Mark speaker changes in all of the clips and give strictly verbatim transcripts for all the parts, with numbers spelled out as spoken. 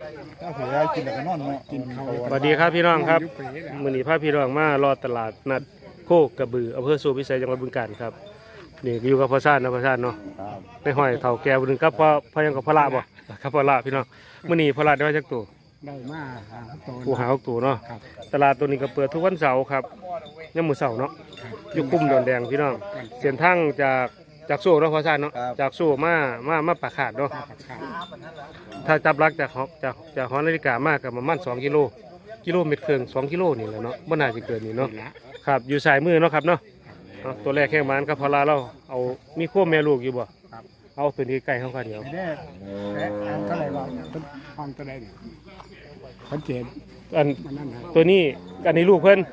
Speaker 1: ถ้าเผื่อกินแล้วก็นอนเนาะกินเขา
Speaker 2: สวัสดีครับพี่น้องครับมื้อนี้พาพี่น้องมารอตลาดนัดโคกกระบืออำเภอสูพิสัยจังหวัดบึงกาฬครับนี่อยู่กับพ่อชาตินะพ่อชาติเนาะในห้อยเฒ่าแก่บ่นึงครับพ่อพ่อยังกับพ่อละบ่ครับพ่อละพี่น้องมื้อนี้พ่อละได้มาจักตัว
Speaker 1: ได้มาหาตัว
Speaker 2: ผู้หาตัวเนาะตลาดตัวนี้ก็เปิดทุกวันเสาร์ครับยามมื้อเสาร์เนาะอยู่คุ้มดอนแดงพี่น้องเส้นทางจากจากโซ่เนาะพ่อชาติเนาะจากโซ่มามามาปากขาดเนาะถ้าจับลักจากจากจากหอนาฬิกามากกับประมาณสองกิโลกิโลเมตรครึ่งสองกิโลนี่แหละเนาะบ่น่าจะเกินนี่เนาะครับอยู่สายมือเนาะครับเนาะตัวแรกแข้งมันครับพอลาเราเอามีขั้วแม่ลูกอยู่บ่เอาตัวนี้ใกล้เข้ากันเดียว
Speaker 1: แม่แม่เท่าไหร่บ้างห้องเท่าไหร่เนี่ยชัดเจน
Speaker 2: อันตัวนี้อันนี้ลูกเพิ่น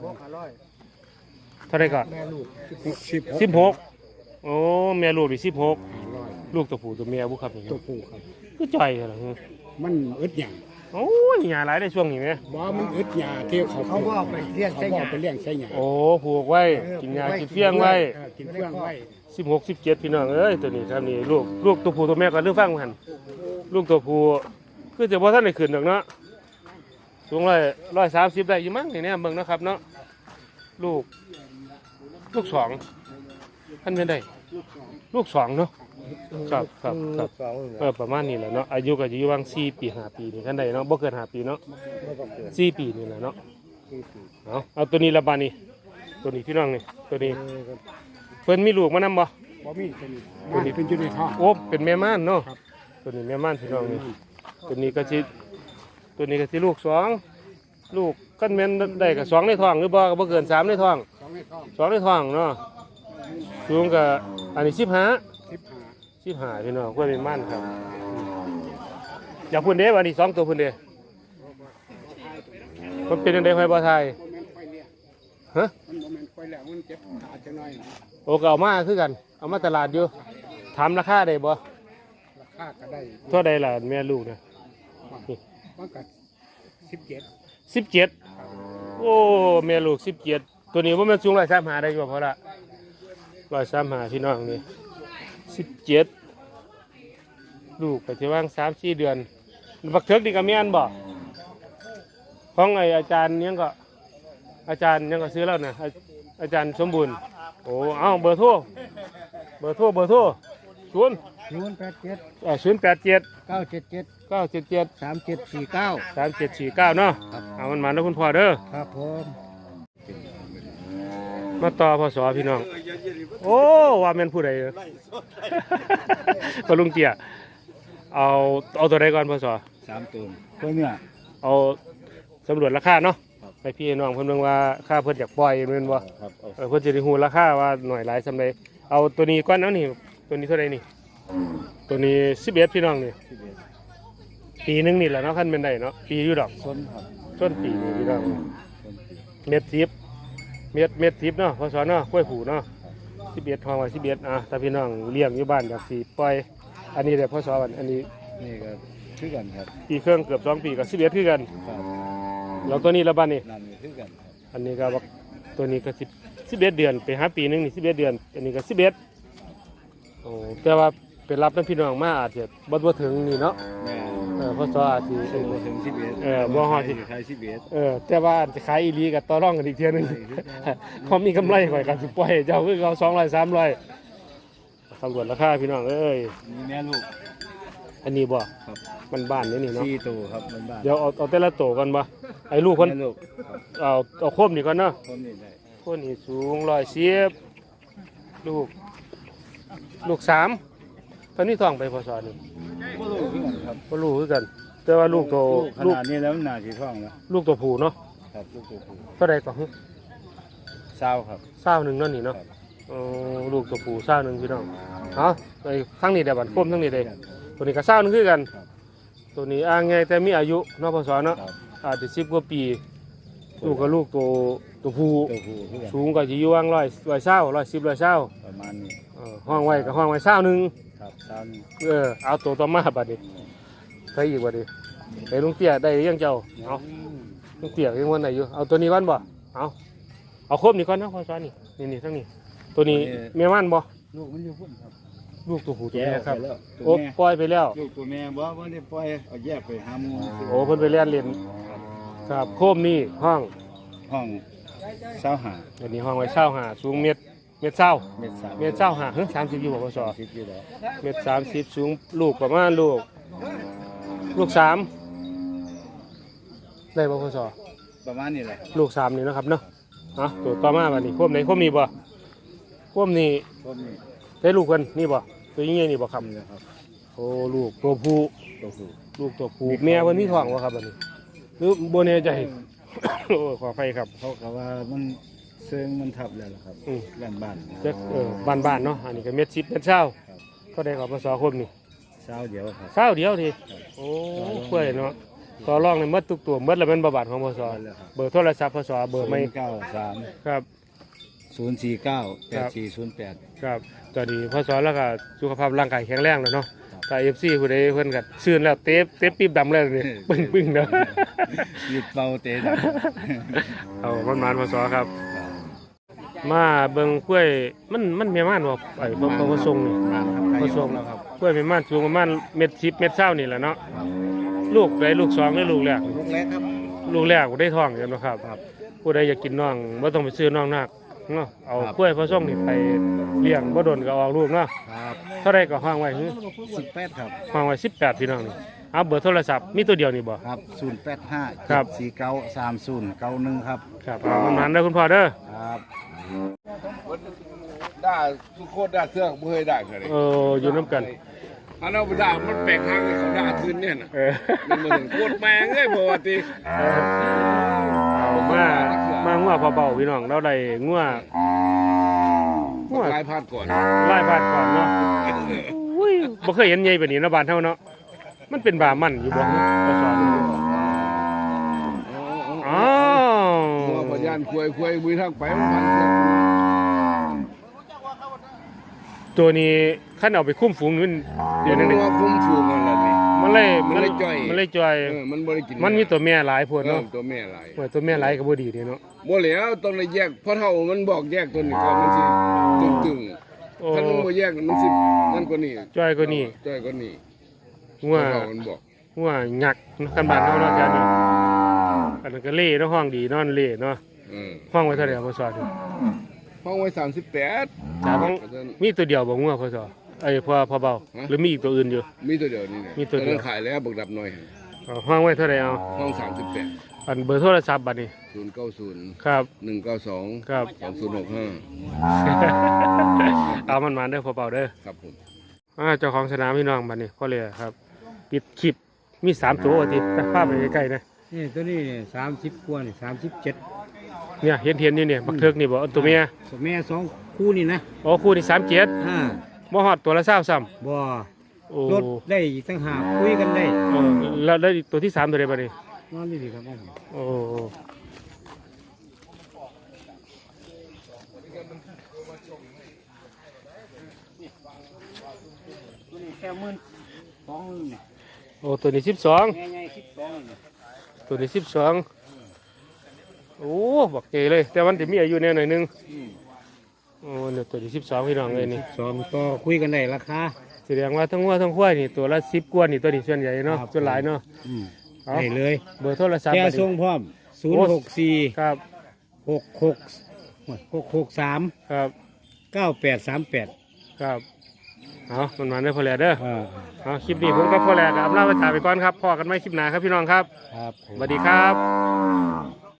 Speaker 2: เท่าไหร่ก่อนสิบหกโอ้แม่ลูกดิสิบหกลูกตัวผู้ตัวเมียบุครับ
Speaker 1: ตัวผู้ครับ
Speaker 2: ก็จ่อยเหรอ
Speaker 1: มันอึดหยา
Speaker 2: โอ้ยหยาหลายได้ช่วงนี้ไหม
Speaker 1: บ่มันอึดหยาที่เขา
Speaker 3: เขาว่าไปเลี้ยงใช้หยา
Speaker 1: ไปเลี้ยงใช้หยา
Speaker 2: โอ้ผูกไว้กินหยากินเฟี้ยงไว้
Speaker 1: กินเฟี้ยงไว้
Speaker 2: สิบหกสิบเจ็ดพี่น้องเอ้ยตัวนี้ครับนี่ลูกลูกตัวผู้ตัวแม่ก็เรื่องฟังกันลูกตัวผู้คือจะว่าท่านได้ขึ้นหรอกเนาะสูงร้อยร้อยสามสิบได้อยู่มั้งเนี่ยเบิ่งนะครับเนาะลูกลูกสองท่านเป็นได้ลูกสองเนาะครับครับครับเออประมาณนี้แหละเนาะอายุก็จะอยู่วางสี่ปีห้าปีนี่ท่านใดเนาะบ่เกินห้าปีเนาะสี่ปีนี่แหละเนาะเอาเอาตัวนี้ละบานี่ตัวนี้พี่น้องนี่ตัวนี้เพิ่นมีลูกมานำบ่
Speaker 1: บ่มีตัวนี้เป็นจุดในท้อง
Speaker 2: โอ้เป็นแม่ม่านเนาะตัวนี้แม่ม่านพี่น้องนี่ตัวนี้ก็สิตัวนี้ก็สิลูกสองลูกกันแม่นได้ก็สองในท้องหรือบ่ก็บ่เกินสามในท้อง
Speaker 1: สองในท้อง
Speaker 2: สองในท้องเนาะสูงก็อันนี้สิบห้า
Speaker 1: สิบห้า
Speaker 2: สิบห้าพี่น้องกล้วยเป็นม่านครับอยากพูดเด้วันนี้สองตัวพูดเด้มันเป็นยังไงไฟบ่ไทยฮะ
Speaker 1: มันโมเมนต์ไฟแล้วมันเจ็บขาจังหน่อย
Speaker 2: โอ้ก็เอามาคือกันเอามาตลาดอยู่ถามราคาได้บ่
Speaker 1: ราคาก็ได้
Speaker 2: เท่าใดล่ะแม่ลูกเนี่ย
Speaker 1: มันก็สิบเจ็ด
Speaker 2: สิบเจ็ดโอ้แม่ลูกสิบเจ็ดตัวนี้ว่ามันสูงร้อยสามหาได้อยู่พอละร้อยสามหาพี่น้องนี่สิบเจ็ดลูกไปที่ว่างสามสี่เดือนบักเถิกดีกับแม่นบ่ของไออาจารย์ยังก็อาจารย์ยังก็ซื้อแล้วนะอาจารย์สมบูรณ์โอ้เอาเบอร์โทรเบอร์โทรเบอร์โทรศูนย์
Speaker 3: ศูนย์แปดเจ็ด
Speaker 2: อ่าศูนย์แปดเจ็ด
Speaker 3: เก้าเจ็ดเจ็ด
Speaker 2: เก้าเจ็ดเจ็ด
Speaker 3: สามเจ็ดสี่เก้า
Speaker 2: สามเจ็ดสี่เก้าเนาะเอามันมาแล้วคุณพ่อเด้อ
Speaker 3: ครับผม
Speaker 2: มาต่อพศพี่น้องโอ้ว่าแม่นผู้ใดพอลุงเตี้ยเอาเอาตัวใดก่อนพศ
Speaker 1: สามตัวตัวเนี้ย
Speaker 2: เอาสำรวจราคาเนาะไปพี่น้องเพิ่นเบิ่งว่าค่าเพิ่นอยากปล่อยแม่นบ่เออเพิ่นสิได้ฮู้ราคาว่าหน่อยหลายซำใดเอาตัวนี้ก่อนเอานี่ตัวนี้เท่าใดนี่ตัวนี้สิบเอ็ดพี่น้องนี่ปีนึงนี่แหละเนาะคันเป็นได้เนาะปีอยู่ดอก
Speaker 1: ต้นครับ
Speaker 2: ต้นปีนี่พี่น้องเม็ดสิบเม็ดเม็ดสิบเนาะพศเนาะกล้วยผูเนาะสิบเอ็ดทองไว้สิบเอ็ดอ่ะถ้าพี่น้องเลี้ยงอยู่บ้านอยากสิปล่อยอันนี้เดี๋ยวพศอันนี้
Speaker 1: นี่ก็คือกันครับ
Speaker 2: ปีเครื่องเกือบสองปีกับสิบเอ็ดคือกันแล้วตัวนี้ละบ้านนี่อันนี้ก็ตัวนี้ก็สิบสิบเอ็ดเดือนไปหาปีนึงนี่สิบเอ็ดเดือนอันนี้ก็สิบเอ็ดโอ้แต่ว่าเป็นรับน้ำพี่น้องมาอาจจะบ่บ่ถึงนี่เนาะเออพศอาจจะ
Speaker 1: บ่ถึงสิบเอ็ด
Speaker 2: เออบ่ฮอดสิ
Speaker 1: ขายสิบเอ็ด
Speaker 2: เออแต่ว่าจะขายอีหลีกับต่อรองกันอีกเทียนึงเขามีกำไรข่อยกันสิปล่อยเจ้าคือเอาสองร้อยสามร้อยตำรวจราคาพี่น้องเอ้ย
Speaker 1: มีแม่ลูก
Speaker 2: อันนี้บ่ครับมันบ้านนี่นี่เนาะ
Speaker 1: สี่ตัวครับมันบ้าน
Speaker 2: เดี๋ยวเอาเอาแต่ละตัวกันบ่ไอ้ลูกคนเอาเอาโคมนี่ก่อนเนาะ
Speaker 1: โคมนี่ได้
Speaker 2: โคมนี่สูงร้อยสิบลูกลูกสามตอนนี้ท้องไปพศนี่
Speaker 1: บ่รู้คือกันครับ
Speaker 2: บ่รู้คือกันแต่ว่าลูกโต
Speaker 1: ขนาดนี้แล้วมันน่าสิท้องแล้ว
Speaker 2: ลูกตัวผู้เนาะ
Speaker 1: ครับลูกตัวผู้
Speaker 2: เท่าใดก่อน
Speaker 1: เศร้าครับ
Speaker 2: เศร้าหนึ่งนั่นนี่เนาะอ๋อลูกตัวผู้เศร้าหนึ่งพี่น้องเอาไปทั้งนี้เดี๋ยวบัดโคมทั้งนี้เด้ตัวนี้ก็เศร้าหนึ่งคือกันตัวนี้อ่างไงแต่มีอายุเนาะพศเนาะอาจจะสิบกว่าปีลูกกับลูกตัวตัวผู้สูงก็จะอยู่ว่างร้อยร้อยเศร้าร้อยสิบร้อยเศร้า
Speaker 1: ประมาณนี้
Speaker 2: ห้องไว้กับห้องไว้เศร้าหนึ่ง
Speaker 1: ครับเศร้าหนึ่ง
Speaker 2: เออเอาตัวต่อมาบัดนี้ใครอีกบัดนี้ไอ้ลุงเตี้ยได้ยังเจ้าเอาลุงเตี้ยยังวันไหนอยู่เอาตัวนี้ก่อนบ่เอาเอาครบนี่ก่อนนะพศนี่นี่นี่ทั้งนี้ตัวนี้เมียมันบ่
Speaker 1: ลูกมันอยู่พุ่นครับ
Speaker 2: ลูกตัวผู้ตัว
Speaker 3: แก้
Speaker 2: แม่
Speaker 3: ว
Speaker 2: ครับ
Speaker 3: ไปแล้วตัว
Speaker 2: โอ้
Speaker 3: แม่
Speaker 2: ปล่อยไปแล้ว
Speaker 3: ลูกตัวแม่บ่ว่าได้ปล่อยเอาแยกไปหาหมู
Speaker 2: โอ้เพิ่นไปเรียนเรียนครับโคมนี่ห้อง
Speaker 3: ห้องเช้าหา
Speaker 2: อันนี้ห้องไว้เช่าหาสูงเมตรเมตรเศร้า
Speaker 3: เม็ดสาม
Speaker 2: เมตรเศร้าหาเฮ้ยสามสิบอยู่บ่พศ
Speaker 3: สิบอยู่แล้ว
Speaker 2: เมตรสามสิบสูงลูกประมาณลูก ลูกสามได้บ่พศ
Speaker 3: ประมาณนี้แหละ
Speaker 2: ลูกสามนี่นะครับเนาะอ่ะตัวต่อมาบัดนี้โคมไหนโคมนี้บ่โคมนี้
Speaker 3: พวกนี้
Speaker 2: ได้ลูกเพิ่นนี่บ่ตัวยิ่งใหญ่นี่บ่ครับ
Speaker 3: นี่แหละครับ
Speaker 2: โอ้ลูกตัวผู้
Speaker 3: ตัวผู้
Speaker 2: ลูกตัวผู้แม่เพิ่นมีท้องบ่ครับบัดนี้หรือบ่แน่ใจ โอ้ขออภัยครับ
Speaker 3: เขาก็ว่ามันเซิงมันทับแล้วล่ะครับ
Speaker 2: อืม
Speaker 3: บ้านบ้าน
Speaker 2: จักเออบ้านๆเนาะอันนี้ก็เม็ดสิบเม็ดเช้าก็ได้กับพศคมนี่
Speaker 3: เช้าเดียวครับ
Speaker 2: เช้าเดียวทีโอ้เพื่อยเนาะต่อรองในหมดทุกตัวหมดแล้วเป็นบาบาทของพศเบอร์โทรศัพท์พศเบอร์ไม่
Speaker 3: เก้าสาม
Speaker 2: ครับ
Speaker 3: ศูนย์สี่เก้าแปดสี่ศูนย์แปด
Speaker 2: ครับตอนนี้พศแล้วก็สุขภาพร่างกายแข็งแรงแล้วเนาะแต่เอฟซีผู้ใดเพิ่นก็ซื่นแล้วเตฟเตฟปีบดำแล้วนี่ปึ้งปึ้งๆเนาะ
Speaker 3: ยึดเบาเตะดัง
Speaker 2: เอามันมานพศครับ มาเบิ่งกล้วยมันมันแม่ม่านบ่ไอ้บ่บ่บ่ทรงนี่
Speaker 3: เขาส่งแล้วครับ
Speaker 2: กล้วยแม่ม่านสูงประมาณเม็ดสิบเม็ดเช้านี่แหละเนาะลูกใดลูกสองหรือลูกแรก
Speaker 3: ลูกเล็กครับ
Speaker 2: ลูกแรกได้ท้องกันนะครับ ผู้ใดอยากกินน่องบ่ต้องไปซื้อน่องนักเนาะเอา
Speaker 3: ครับ
Speaker 2: กล้วยพอส่งนี่ไปเลี้ยงบ่โดนก็ออกลูกเนาะ
Speaker 3: ครับ
Speaker 2: เท่าใดก็ห้างไว้หือ
Speaker 3: สิบแปดครับ
Speaker 2: ห้างไว้สิบแปดพี่น้องนี่เอาเบอร์โทรศัพท์มีตัวเดียวนี่บ่
Speaker 3: ครับศูนย์แปดห้า
Speaker 2: ครับ
Speaker 3: สี่เก้าสามศูนย์เก้าหนึ่งครับ
Speaker 2: ครับเอามันนั้นเด้อคุณพ่อเด้อ
Speaker 3: ครับ
Speaker 1: ได้ทุกคนได้เสื้อบ่เคยได้เลย
Speaker 2: เอออยู่นํกัน
Speaker 1: อันนั้นบ่ได้มันแปลกทางให้เขาด่าคืนเนี่ยน่ะ
Speaker 2: เออ
Speaker 1: มันเหมือนโคตรแมงเลยปกติ
Speaker 2: เอามามางัวเบาๆพี่น้องเราได้งัวงัว
Speaker 1: ลายพาดก่อน
Speaker 2: ไล่บาดก่อนเนาะอุ้ยบ่เคยเห็นใหญ่แบบนี้เนาะบ้านเฮาเนาะมันเป็นบามันอยู่บ่ก็สอนอ้าว
Speaker 1: หัวพยานควยควยมือทางไปมันพันเสื้อ
Speaker 2: ตัวนี้ขั้นเอาไปคุ้มฝูงนี่มันเดี๋ยวนึงนี่
Speaker 1: หัวคุ้มฟูมันละนี่
Speaker 2: มันเลย
Speaker 1: มันเลยจ่อย
Speaker 2: มันเลยจ่อย
Speaker 1: เออมันบ่ได้กิน
Speaker 2: มันมีตัวแม่หลายพวก
Speaker 1: เนาะ
Speaker 2: เนาะ
Speaker 1: ตัวแม่หลาย
Speaker 2: โอ้ยตัวแม่หลายก็บ่ดีเด้เนาะ
Speaker 1: บ่แล้วต้องได้แยกเพราะเท่ามันบอกแยกตัวนี้ก่อนมันสิตึง
Speaker 2: โอ้
Speaker 1: ๆถ้ามันบ่แยกมันสินั่นกว่านี้
Speaker 2: จ่อยกว่านี้
Speaker 1: จ้อยกว่านี้
Speaker 2: งัว
Speaker 1: เพราะเท่ามันบอก
Speaker 2: งัวหยักเนาะกันบ้านเฮาเนาะจ้านี่อันนั้นก็เล่เนาะห้องดีนอนเล่เนาะ
Speaker 1: เออ
Speaker 2: ห้องไว้เท่าไหร่บ่สอน
Speaker 1: ห้องไว้สามสิบแปด
Speaker 2: จ้าห้องมีตัวเดียวบ่งัวพอสอเอ้ยพอพอเบา
Speaker 1: ฮะ
Speaker 2: หรือมีอีกตัวอื่นอยู่
Speaker 1: มีตัวเดียวนี่นะ
Speaker 2: มีตัวเดียว
Speaker 1: นั้นขายแล้วบักดับหน่อย
Speaker 2: เอาห้องไว้เท่าไหร่เอา
Speaker 1: ห้องสามสิบแปด
Speaker 2: อันเบอร์โทรศัพท์บัดนี้
Speaker 1: ศูนย์เก้าศูนย์
Speaker 2: ครับ
Speaker 1: หนึ่งเก้าสอง
Speaker 2: ครับ
Speaker 1: สองศูนย์หกห้า
Speaker 2: เอามันมาเด้อพอเบาเด้อ
Speaker 1: ครับผม
Speaker 2: อ่าเจ้าของสนามพี่น้องบัดนี้พ่อเลยครับ ปิดคลิปมีสามตัวติไปภาพไปใกล้ๆนะ
Speaker 3: นี่ตัวนี้สามสิบกว่านี่สามสิบเจ็ด
Speaker 2: เนี่ยเห็นเห็นนี่เนี่ยบักเทิกนี่บ่อันตัวเมีย
Speaker 3: แม่สองคู่นี่นะ
Speaker 2: อ๋อคู่นี่สามเจ็ด
Speaker 3: อ่า
Speaker 2: บ่ฮอดตัวละเศร้าซ้
Speaker 3: บ่
Speaker 2: ำโอ้
Speaker 3: รถได้อีกตั้งหากคุยกันได้
Speaker 2: เออแล้วแล้วตัวที่สามตัวใดบัดนี้
Speaker 3: นอนนี่สิครับ
Speaker 2: โอ้
Speaker 3: ตัวนี้แค่หมื่นสองนี่
Speaker 2: โอ้ตัวนี้สิบสอง
Speaker 3: แม่ใหญ่สิบสองนี่
Speaker 2: ตัวนี้สิบสองโอ้บักเกเลย แต่มันจะมีอายุแน่หน่อยนึงโอ้เนี่ยตัวที่สิบสองพี่น้องเลยนี่
Speaker 3: สองต่อคุยกันได้ราคา
Speaker 2: แสดงว่าทั้งวัวทั้งควายนี่ตัวละสิบกว่านี่ตัวนี้ส่วนใหญ่เนาะ
Speaker 3: ครับ
Speaker 2: ส่วนหลายเนาะ
Speaker 3: อืม
Speaker 2: เอา
Speaker 3: ได้เลย
Speaker 2: เบอร์โทรศัพท์
Speaker 3: แค่
Speaker 2: บัดนี้
Speaker 3: ส่งพร้อมศูนย์หกสี่
Speaker 2: ครับ
Speaker 3: หกหกหกหกสาม
Speaker 2: ครับ
Speaker 3: เก้าแปดสามแปด
Speaker 2: ครับเอามันมาได้อพอแล้วเด้อ
Speaker 3: อ่า
Speaker 2: เอาคลิปนี้ผมกับพอแล้วกับลาไปถ่ายไปก่อนครับพอกันไหมคลิปหน้าครับพี่น้องครับ
Speaker 3: ครับผม
Speaker 2: สวัสดีครับ